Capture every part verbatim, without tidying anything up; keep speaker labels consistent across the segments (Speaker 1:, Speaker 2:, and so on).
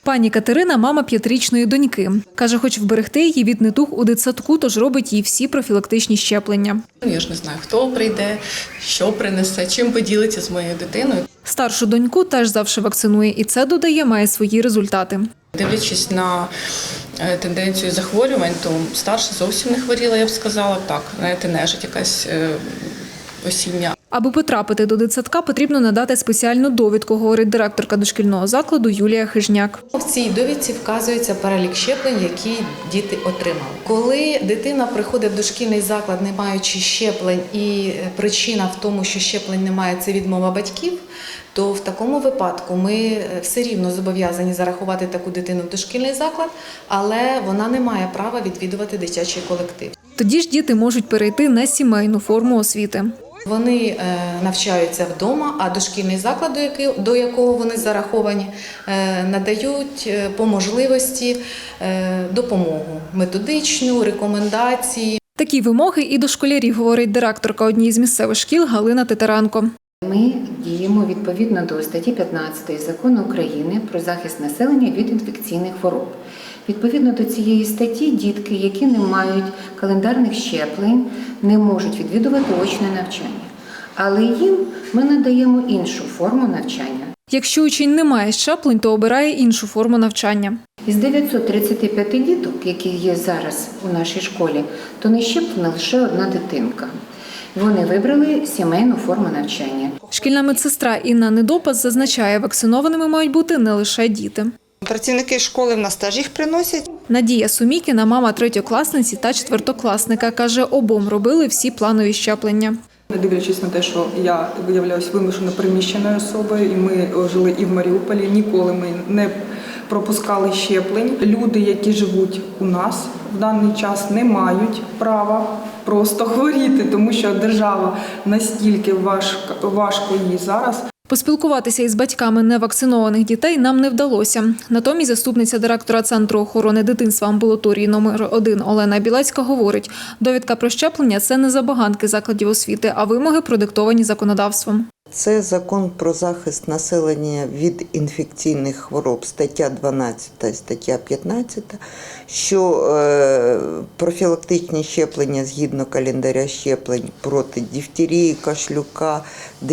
Speaker 1: Пані Катерина – мама п'ятирічної доньки. Каже, хоче вберегти її від недуг у дитсадку, тож робить їй всі профілактичні щеплення.
Speaker 2: Я ж не знаю, хто прийде, що принесе, чим поділиться з моєю дитиною.
Speaker 1: Старшу доньку теж завжди вакцинує, і це, додає, має свої результати.
Speaker 2: Дивлячись на тенденцію захворювань, то старша зовсім не хворіла, я б сказала. Так, знаєте, нежить якась осіння.
Speaker 1: Аби потрапити до дитсадка, потрібно надати спеціальну довідку, говорить директорка дошкільного закладу Юлія Хижняк.
Speaker 3: В цій довідці вказується перелік щеплень, які діти отримали. Коли дитина приходить в дошкільний заклад, не маючи щеплень, і причина в тому, що щеплень немає, це відмова батьків, то в такому випадку ми все рівно зобов'язані зарахувати таку дитину в дошкільний заклад, але вона не має права відвідувати дитячий колектив.
Speaker 1: Тоді ж діти можуть перейти на сімейну форму освіти.
Speaker 3: Вони навчаються вдома, а дошкільний заклад, до якого вони зараховані, надають по можливості допомогу методичну, рекомендації.
Speaker 1: Такі вимоги і до школярів, говорить директорка однієї з місцевих шкіл Галина Титаренко.
Speaker 4: Ми діємо відповідно до статті п'ятнадцятої Закону України про захист населення від інфекційних хвороб. Відповідно до цієї статті дітки, які не мають календарних щеплень, не можуть відвідувати очне навчання. Але їм ми надаємо іншу форму навчання.
Speaker 1: Якщо учень не має щеплень, то обирає іншу форму навчання.
Speaker 4: Із дев'ятсот тридцяти п'яти діток, які є зараз у нашій школі, то не щеплена лише одна дитинка. Вони вибрали сімейну форму навчання.
Speaker 1: Шкільна медсестра Інна Недопас зазначає, вакцинованими мають бути не лише діти.
Speaker 5: Працівники школи в нас теж їх приносять.
Speaker 1: Надія Сумікіна – мама третьокласниці та четвертокласника. Каже, обом робили всі планові щеплення.
Speaker 6: Не дивлячись на те, що я виявляюсь вимушено переміщеною особою, і ми жили і в Маріуполі, ніколи ми не пропускали щеплень. Люди, які живуть у нас в даний час, не мають права просто хворіти, тому що держава настільки важко, важко їй зараз.
Speaker 1: Поспілкуватися із батьками невакцинованих дітей нам не вдалося. Натомість заступниця директора Центру охорони дитинства амбулаторії номер один Олена Білецька говорить, довідка про щеплення – це не забаганки закладів освіти, а вимоги, продиктовані законодавством.
Speaker 7: Це закон про захист населення від інфекційних хвороб, стаття дванадцята і стаття п'ятнадцята, що е, профілактичні щеплення згідно календаря щеплень проти дифтерії, кашлюка,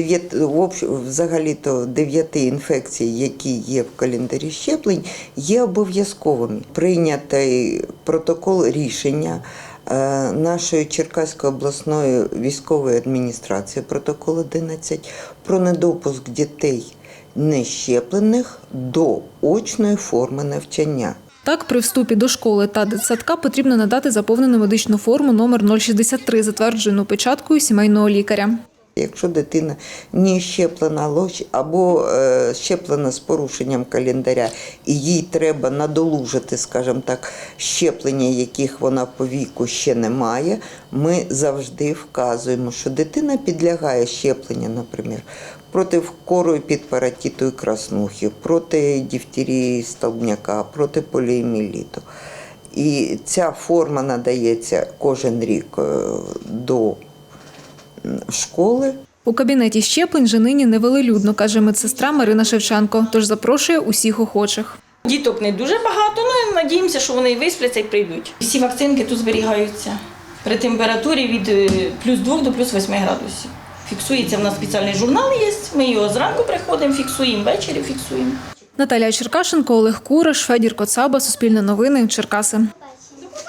Speaker 7: взагалі-то дев'яти інфекцій, які є в календарі щеплень, є обов'язковими. Прийнятий протокол рішення нашої Черкаської обласної військової адміністрації, протокол одинадцять, про недопуск дітей нещеплених до очної форми навчання.
Speaker 1: Так, при вступі до школи та дитсадка потрібно надати заповнену медичну форму номер нуль шістдесят три, затверджену печаткою сімейного лікаря.
Speaker 7: Якщо дитина не щеплена або щеплена з порушенням календаря, і їй треба надолужити, скажімо так, щеплення, яких вона по віку ще не має, ми завжди вказуємо, що дитина підлягає щепленню, наприклад, проти кору і підпаратиту і краснухи, проти дифтерії столбняка, проти поліомієліту. І ця форма надається кожен рік до школи.
Speaker 1: У кабінеті щеплень же нині невелелюдно, каже медсестра Марина Шевченко, тож запрошує усіх охочих.
Speaker 8: Діток не дуже багато, але надіємося, що вони висплять і прийдуть. Всі вакцинки тут зберігаються при температурі від плюс двох до плюс восьми градусів. Фіксується, в нас спеціальний журнал є, ми його зранку приходимо, фіксуємо, ввечері фіксуємо.
Speaker 1: Наталія Черкашенко, Олег Кураш, Федір Коцаба, Суспільне новини, Черкаси.